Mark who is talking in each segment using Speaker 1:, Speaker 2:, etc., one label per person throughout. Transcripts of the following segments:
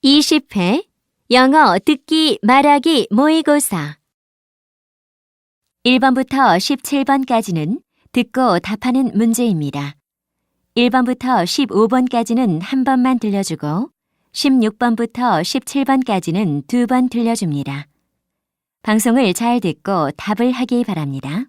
Speaker 1: 20회 영어 듣기 말하기 모의고사 1번부터 17번까지는 듣고 답하는 문제입니다. 1번부터 15번까지는 한 번만 들려주고 16번부터 17번까지는 두 번 들려줍니다. 방송을 잘 듣고 답을 하기 바랍니다.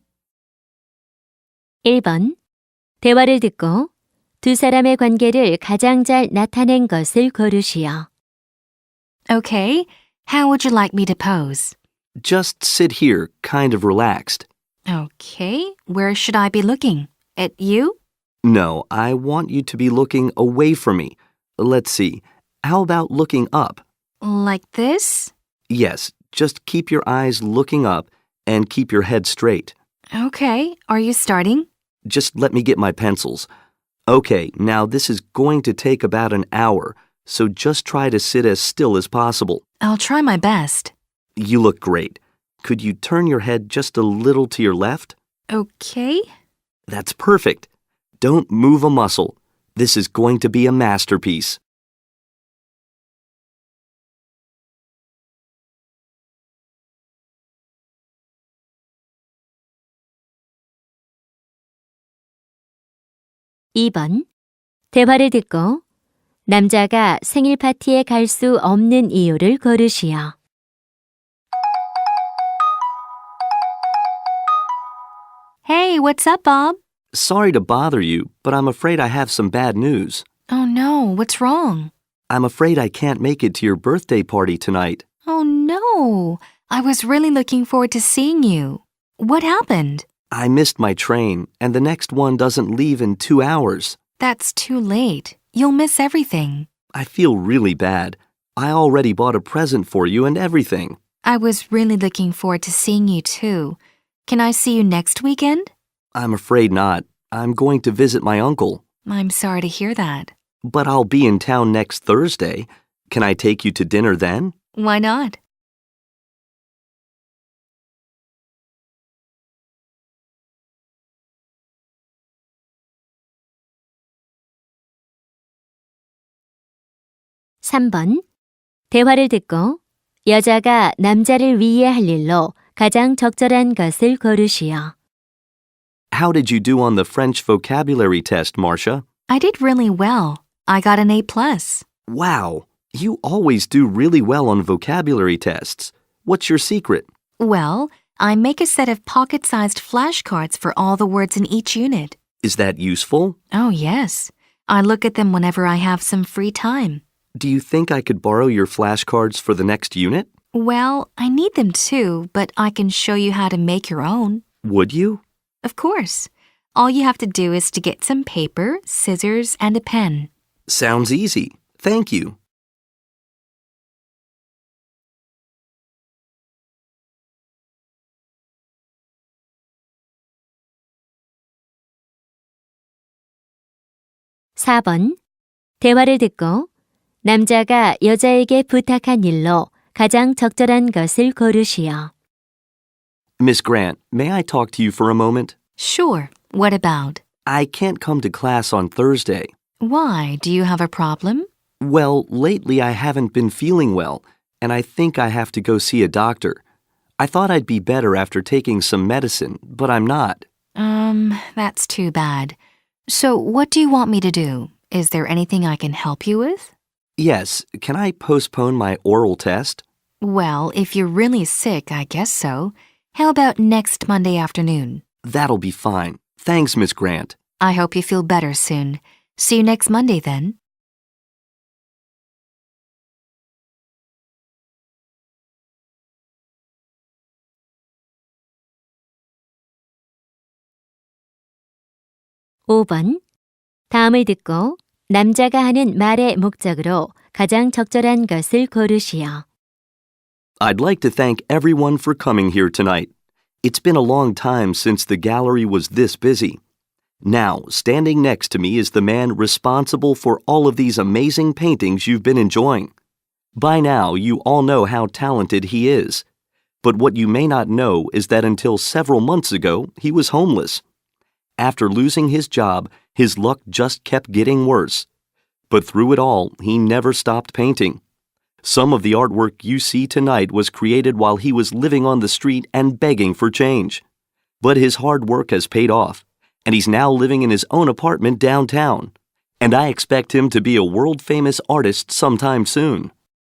Speaker 1: 1번 대화를 듣고 두 사람의 관계를 가장 잘 나타낸 것을 고르시오.
Speaker 2: Okay, how would you like me to pose?
Speaker 3: Just sit here, kind of relaxed.
Speaker 2: Okay, where should I be looking? At you?
Speaker 3: No, I want you to be looking away from me. Let's see. How about looking up?
Speaker 2: Like this?
Speaker 3: Yes, just keep your eyes looking up and keep your head straight.
Speaker 2: Okay, are you starting?
Speaker 3: Just let me get my pencils. Okay, now this is going to take about an hour, so just try to sit as still as possible.
Speaker 2: I'll try my best.
Speaker 3: You look great. Could you turn your head just a little to your left?
Speaker 2: Okay.
Speaker 3: That's perfect. Don't move a muscle. This is going to be a masterpiece.
Speaker 1: (2번) 대화를 듣고 남자가 생일 파티에 갈 수 없는 이유를 고르시오.
Speaker 2: Hey, what's up, Bob?
Speaker 3: Sorry to bother you, but I'm afraid I have some bad news.
Speaker 2: Oh no, what's wrong?
Speaker 3: I'm afraid I can't make it to your birthday party tonight.
Speaker 2: Oh no, I was really looking forward to seeing you. What happened?
Speaker 3: I missed my train, and the next one doesn't leave in 2 hours.
Speaker 2: That's too late. You'll miss everything.
Speaker 3: I feel really bad. I already bought a present for you and everything.
Speaker 2: I was really looking forward to seeing you too. Can I see you next weekend?
Speaker 3: I'm afraid not. I'm going to visit my uncle.
Speaker 2: I'm sorry to hear that.
Speaker 3: But I'll be in town next Thursday. Can I take you to dinner then?
Speaker 2: Why not?
Speaker 1: (3번) 대화를 듣고 여자가 남자를 위해 할 일로 가장 적절한 것을 고르시오.
Speaker 3: How did you do on the French vocabulary test, Marcia?
Speaker 2: I did really well. I got an A+.
Speaker 3: Wow, you always do really well on vocabulary tests. What's your secret?
Speaker 2: Well, I make a set of pocket-sized flashcards for all the words in each unit.
Speaker 3: Is that useful?
Speaker 2: Oh, yes. I look at them whenever I have some free time.
Speaker 3: Do you think I could borrow your flashcards for the next unit?
Speaker 2: Well, I need them too, but I can show you how to make your own.
Speaker 3: Would you?
Speaker 2: Of course. All you have to do is to get some paper, scissors, and a pen.
Speaker 3: Sounds easy. Thank you.
Speaker 1: (4번) 대화를 듣고 남자가 여자에게 부탁한 일로 가장 적절한 것을 고르시오.
Speaker 3: Miss Grant, may I talk to you for a moment?
Speaker 2: Sure. What about?
Speaker 3: I can't come to class on Thursday.
Speaker 2: Why? Do you have a problem?
Speaker 3: Well, lately I haven't been feeling well, and I think I have to go see a doctor. I thought I'd be better after taking some medicine, but I'm not.
Speaker 2: That's too bad. So what do you want me to do? Is there anything I can help you with?
Speaker 3: Yes, can I postpone my oral test?
Speaker 2: Well, if you're really sick, I guess so. How about next Monday afternoon?
Speaker 3: That'll be fine. Thanks, Miss Grant.
Speaker 2: I hope you feel better soon. See you next Monday then.
Speaker 1: (5번) 다음을 듣고 남자가 하는 말의 목적으로 가장 적절한 것을 고르시오.
Speaker 3: I'd like to thank everyone for coming here tonight. It's been a long time since the gallery was this busy. Now, standing next to me is the man responsible for all of these amazing paintings you've been enjoying. By now, you all know how talented he is. But what you may not know is that until several months ago, he was homeless. After losing his job, his luck just kept getting worse. But through it all, he never stopped painting. Some of the artwork you see tonight was created while he was living on the street and begging for change. But his hard work has paid off, and he's now living in his own apartment downtown. And I expect him to be a world-famous artist sometime soon.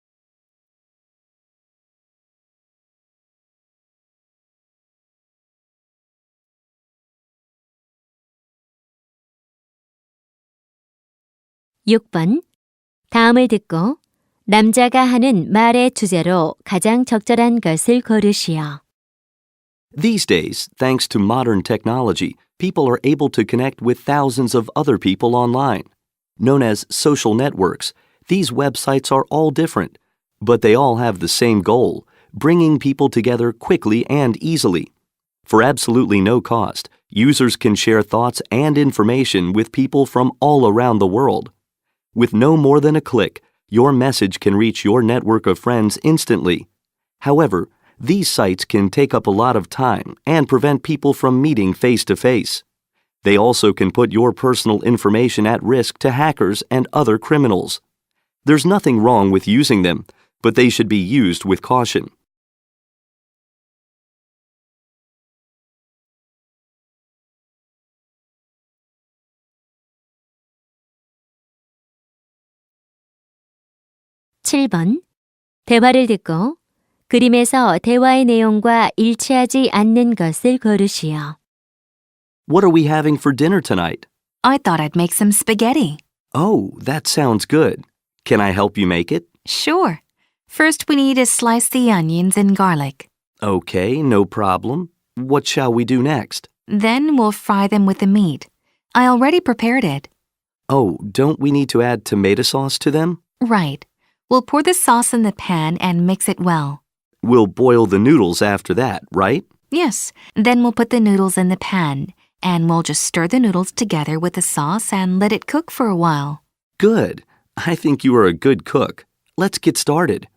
Speaker 1: 육 번 다음을 듣고 남자가 하는 말의 주제로 가장 적절한 것을 고르시오.
Speaker 3: These days, thanks to modern technology, people are able to connect with thousands of other people online. Known as social networks, these websites are all different, but they all have the same goal, bringing people together quickly and easily. For absolutely no cost, users can share thoughts and information with people from all around the world. With no more than a click, your message can reach your network of friends instantly. However, these sites can take up a lot of time and prevent people from meeting face-to-face. They also can put your personal information at risk to hackers and other criminals. There's nothing wrong with using them, but they should be used with caution.
Speaker 1: 칠 번 대화를 듣고 그림에서 대화의 내용과 일치하지 않는 것을 고르시오.
Speaker 3: What are we having for dinner tonight?
Speaker 2: I thought I'd make some spaghetti.
Speaker 3: Oh, that sounds good. Can I help you make it?
Speaker 2: Sure. First, we need to slice the onions and garlic.
Speaker 3: Okay, no problem. What shall we do next?
Speaker 2: Then we'll fry them with the meat. I already prepared it.
Speaker 3: Oh, don't we need to add tomato sauce to them?
Speaker 2: Right. We'll pour the sauce in the pan and mix it well.
Speaker 3: We'll boil the noodles after that, right?
Speaker 2: Yes. Then we'll put the noodles in the pan, and we'll just stir the noodles together with the sauce and let it cook for a while.
Speaker 3: Good. I think you are a good cook. Let's get started.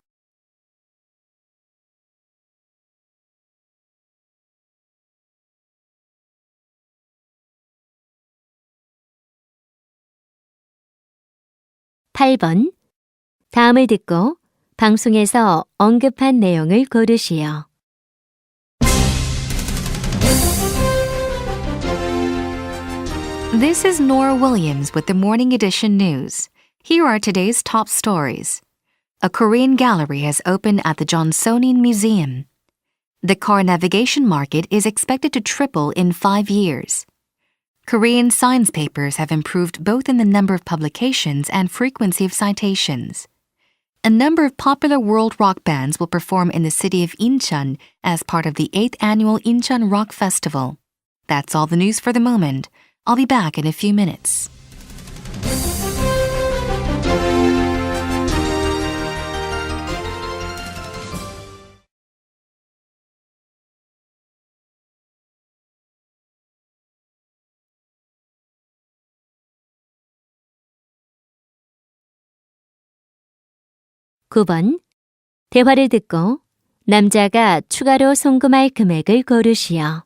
Speaker 1: 팔 번 다음을 듣고 방송에서 언급한 내용을 고르시오.
Speaker 2: This is Nora Williams with the Morning Edition News. Here are today's top stories. A Korean gallery has opened at the Johnsonian Museum. The car navigation market is expected to triple in 5 years. Korean science papers have improved both in the number of publications and frequency of citations. A number of popular world rock bands will perform in the city of Incheon as part of the 8th annual Incheon Rock Festival. That's all the news for the moment. I'll be back in a few minutes.
Speaker 1: 구 번 대화를 듣고 남자가 추가로 송금할 금액을 고르시오.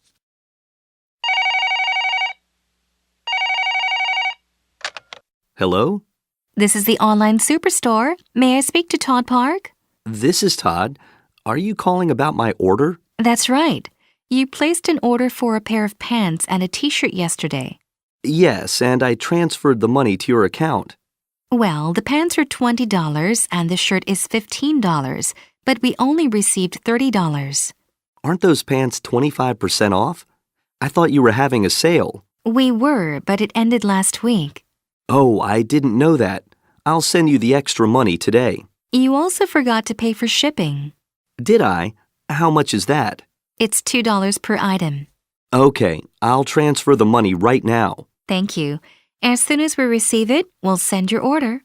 Speaker 3: Hello?
Speaker 2: This is the online superstore. May I speak to Todd Park?
Speaker 3: This is Todd. Are you calling about my order?
Speaker 2: That's right. You placed an order for a pair of pants and a t-shirt yesterday.
Speaker 3: Yes, and I transferred the money to your account.
Speaker 2: Well, the pants are $20 and the shirt is $15, but we only received $30.
Speaker 3: Aren't those pants 25% off? I thought you were having a sale.
Speaker 2: We were, but it ended last week.
Speaker 3: Oh, I didn't know that. I'll send you the extra money today.
Speaker 2: You also forgot to pay for shipping.
Speaker 3: Did I? How much is that?
Speaker 2: It's $2 per item.
Speaker 3: Okay, I'll transfer the money right now.
Speaker 2: Thank you. As soon as we receive it, we'll send your order.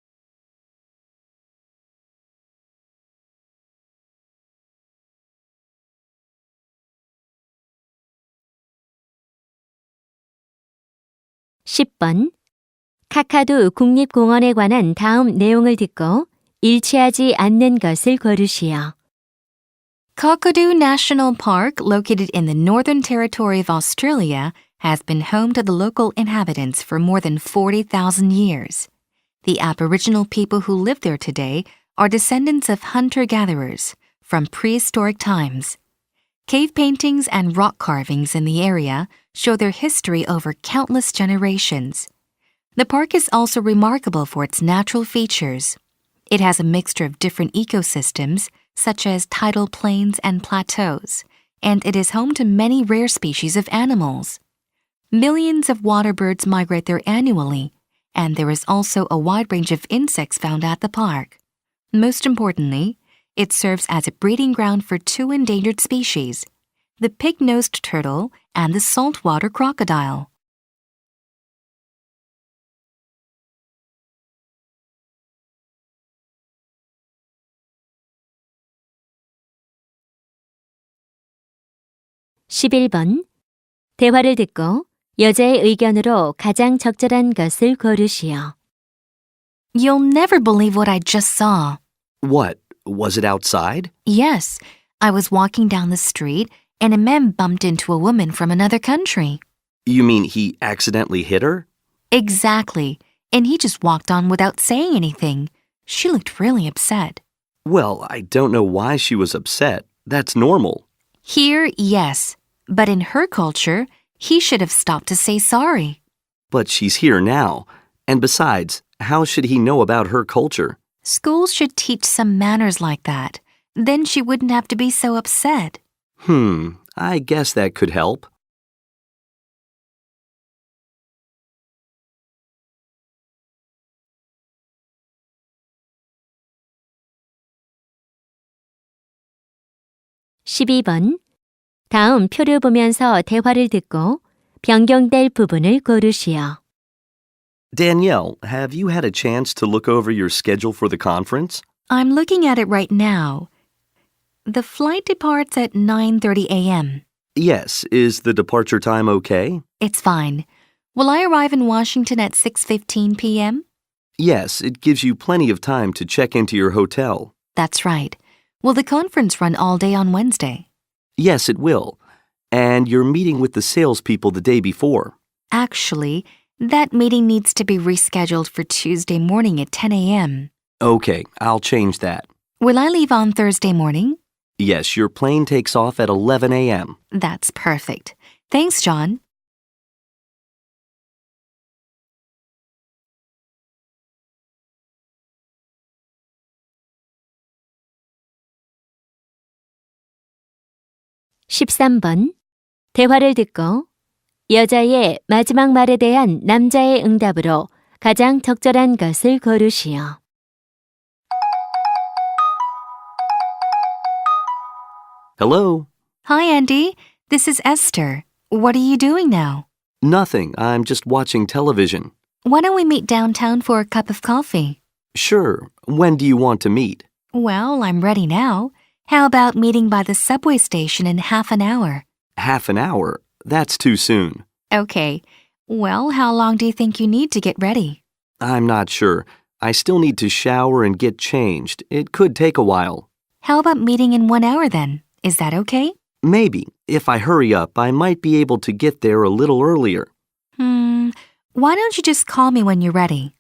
Speaker 1: 십 번 카카두 국립공원에 관한 다음 내용을 듣고 일치하지 않는 것을 고르시오.
Speaker 2: Kakadu National Park, located in the Northern Territory of Australia, has been home to the local inhabitants for more than 40,000 years. The Aboriginal people who live there today are descendants of hunter-gatherers from prehistoric times. Cave paintings and rock carvings in the area show their history over countless generations. The park is also remarkable for its natural features. It has a mixture of different ecosystems, such as tidal plains and plateaus, and it is home to many rare species of animals. Millions of water birds migrate there annually, and there is also a wide range of insects found at the park. Most importantly, it serves as a breeding ground for two endangered species, the pig-nosed turtle and the saltwater crocodile.
Speaker 1: (11번) 대화를 듣고 여자의 의견으로 가장 적절한 것을 고르시오.
Speaker 2: You'll never believe what I just saw.
Speaker 3: What? Was it outside?
Speaker 2: Yes, I was walking down the street and a man bumped into a woman from another country.
Speaker 3: You mean he accidentally hit her?
Speaker 2: Exactly, and he just walked on without saying anything. She looked really upset.
Speaker 3: Well, I don't know why she was upset. That's normal.
Speaker 2: Here, yes, but in her culture, he should have stopped to say sorry.
Speaker 3: But she's here now. And besides, how should he know about her culture?
Speaker 2: Schools should teach some manners like that. Then she wouldn't have to be so upset.
Speaker 3: I guess that could help.
Speaker 1: (12번) 다음 표를 보면서 대화를 듣고 변경될 부분을 고르시오.
Speaker 3: Danielle, have you had a chance to look over your schedule for the conference?
Speaker 2: I'm looking at it right now. The flight departs at 9:30 a.m.
Speaker 3: Yes. Is the departure time okay?
Speaker 2: It's fine. Will I arrive in Washington at 6:15 p.m.?
Speaker 3: Yes, it gives you plenty of time to check into your hotel.
Speaker 2: That's right. Will the conference run all day on Wednesday?
Speaker 3: Yes, it will. And you're meeting with the salespeople the day before.
Speaker 2: Actually, that meeting needs to be rescheduled for Tuesday morning at 10 a.m.
Speaker 3: Okay, I'll change that.
Speaker 2: Will I leave on Thursday morning?
Speaker 3: Yes, your plane takes off at 11 a.m.
Speaker 2: That's perfect. Thanks, John.
Speaker 1: (13번) 대화를 듣고 여자의 마지막 말에 대한 남자의 응답으로 가장 적절한 것을 고르시오.
Speaker 3: Hello?
Speaker 2: Hi, Andy. This is Esther. What are you doing now?
Speaker 3: Nothing. I'm just watching television.
Speaker 2: Why don't we meet downtown for a cup of coffee?
Speaker 3: Sure. When do you want to meet?
Speaker 2: Well, I'm ready now. How about meeting by the subway station in half an hour?
Speaker 3: Half an hour? That's too soon.
Speaker 2: Okay. Well, how long do you think you need to get ready?
Speaker 3: I'm not sure. I still need to shower and get changed. It could take a while.
Speaker 2: How about meeting in 1 hour then? Is that okay?
Speaker 3: Maybe. If I hurry up, I might be able to get there a little earlier.
Speaker 2: Why don't you just call me when you're ready?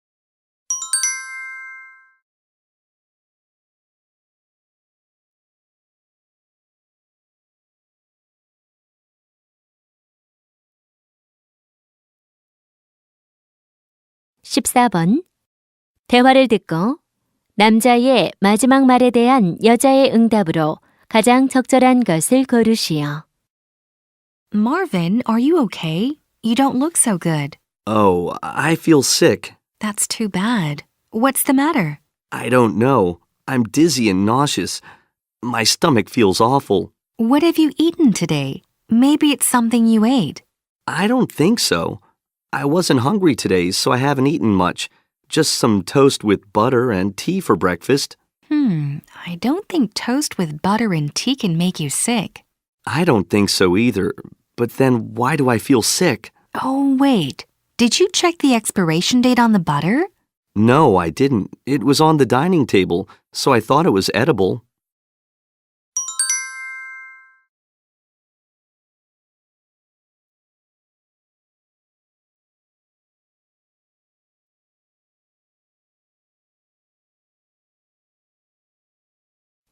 Speaker 1: (14번) 대화를 듣고 남자의 마지막 말에 대한 여자의 응답으로 가장 적절한 것을 고르시오.
Speaker 2: Marvin, are you okay? You don't look so good.
Speaker 3: Oh, I feel sick.
Speaker 2: That's too bad. What's the matter?
Speaker 3: I don't know. I'm dizzy and nauseous. My stomach feels awful.
Speaker 2: What have you eaten today? Maybe it's something you ate.
Speaker 3: I don't think so. I wasn't hungry today, so I haven't eaten much. Just some toast with butter and tea for breakfast.
Speaker 2: I don't think toast with butter and tea can make you sick.
Speaker 3: I don't think so either. But then why do I feel sick?
Speaker 2: Oh, wait. Did you check the expiration date on the butter?
Speaker 3: No, I didn't. It was on the dining table, so I thought it was edible.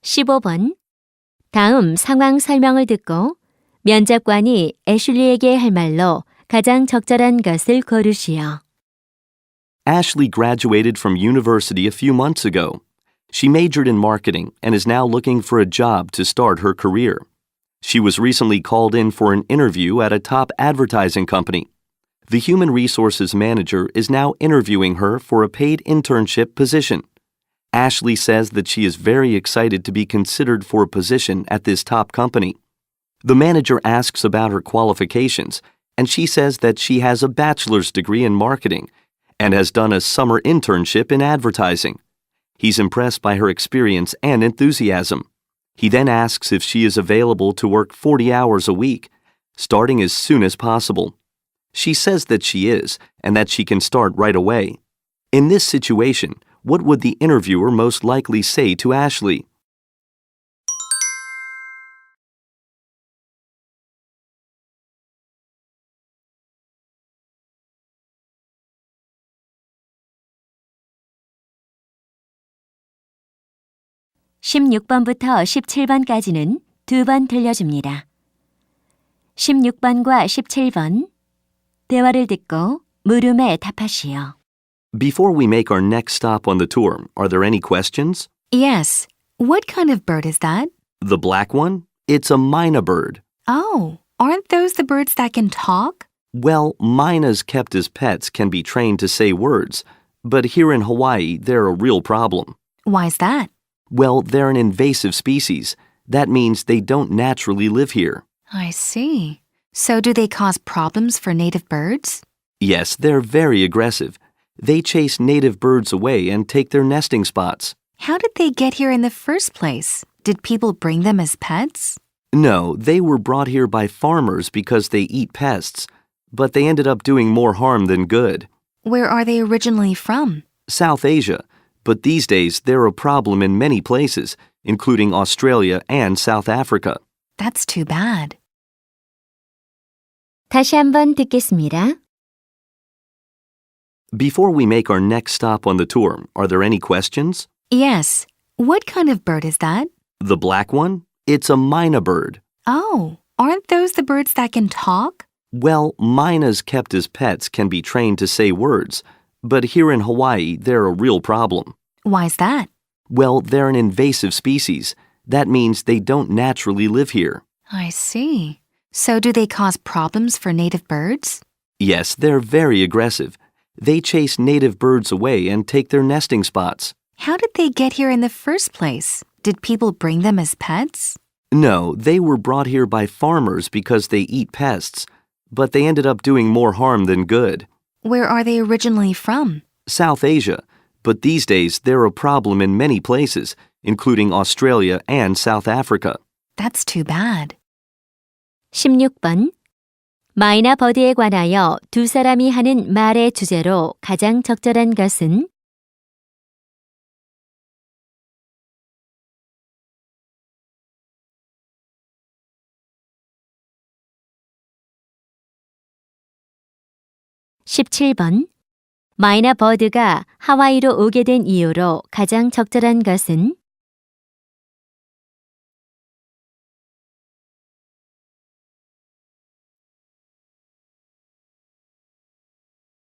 Speaker 1: 15번. 다음 상황 설명을 듣고 면접관이 애슐리에게 할 말로 가장 적절한 것을 고르시오.
Speaker 3: Ashley graduated from university a few months ago. She majored in marketing and is now looking for a job to start her career. She was recently called in for an interview at a top advertising company. The human resources manager is now interviewing her for a paid internship position. Ashley says that she is very excited to be considered for a position at this top company. The manager asks about her qualifications, and she says that she has a bachelor's degree in marketing and has done a summer internship in advertising. He's impressed by her experience and enthusiasm. He then asks if she is available to work 40 hours a week, starting as soon as possible. She says that she is, and that she can start right away. In this situation, what would the interviewer most likely say to Ashley?
Speaker 1: (16번부터 17번까지는 2번 들려줍니다. 16번과 17번 대화를 듣고 물음에 답하시오.
Speaker 3: Before we make our next stop on the tour, are there any questions?
Speaker 2: Yes. What kind of bird is that?
Speaker 3: The black one? It's a myna bird.
Speaker 2: Oh, aren't those the birds that can talk?
Speaker 3: Well, mynas kept as pets can be trained to say words, but here in Hawaii, they're a real problem.
Speaker 2: Why's that?
Speaker 3: Well, they're an invasive species. That means they don't naturally live here.
Speaker 2: I see. So do they cause problems for native birds?
Speaker 3: Yes, they're very aggressive. They chase native birds away and take their nesting spots.
Speaker 2: How did they get here in the first place? Did people bring them as pets?
Speaker 3: No, they were brought here by farmers because they eat pests, but they ended up doing more harm than good.
Speaker 2: Where are they originally from?
Speaker 3: South Asia, but these days they're a problem in many places, including Australia and South Africa.
Speaker 2: That's too bad.
Speaker 1: 다시 한번 듣겠습니다.
Speaker 3: Before we make our next stop on the tour, are there any questions?
Speaker 2: Yes. What kind of bird is that?
Speaker 3: The black one? It's a myna bird.
Speaker 2: Oh, aren't those the birds that can talk?
Speaker 3: Well, mynas kept as pets can be trained to say words, but here in Hawaii, they're a real problem.
Speaker 2: Why's that?
Speaker 3: Well, they're an invasive species. That means they don't naturally live here.
Speaker 2: I see. So do they cause problems for native birds?
Speaker 3: Yes, they're very aggressive. They chase native birds away and take their nesting spots.
Speaker 2: How did they get here in the first place? Did people bring them as pets?
Speaker 3: No, they were brought here by farmers because they eat pests, but they ended up doing more harm than good.
Speaker 2: Where are they originally from?
Speaker 3: South Asia, but these days they're a problem in many places, including Australia and South Africa.
Speaker 2: That's too bad.
Speaker 1: 16번. 마이나 버드에 관하여 두 사람이 하는 말의 주제로 가장 적절한 것은? (17번) 마이나 버드가 하와이로 오게 된 이유로 가장 적절한 것은?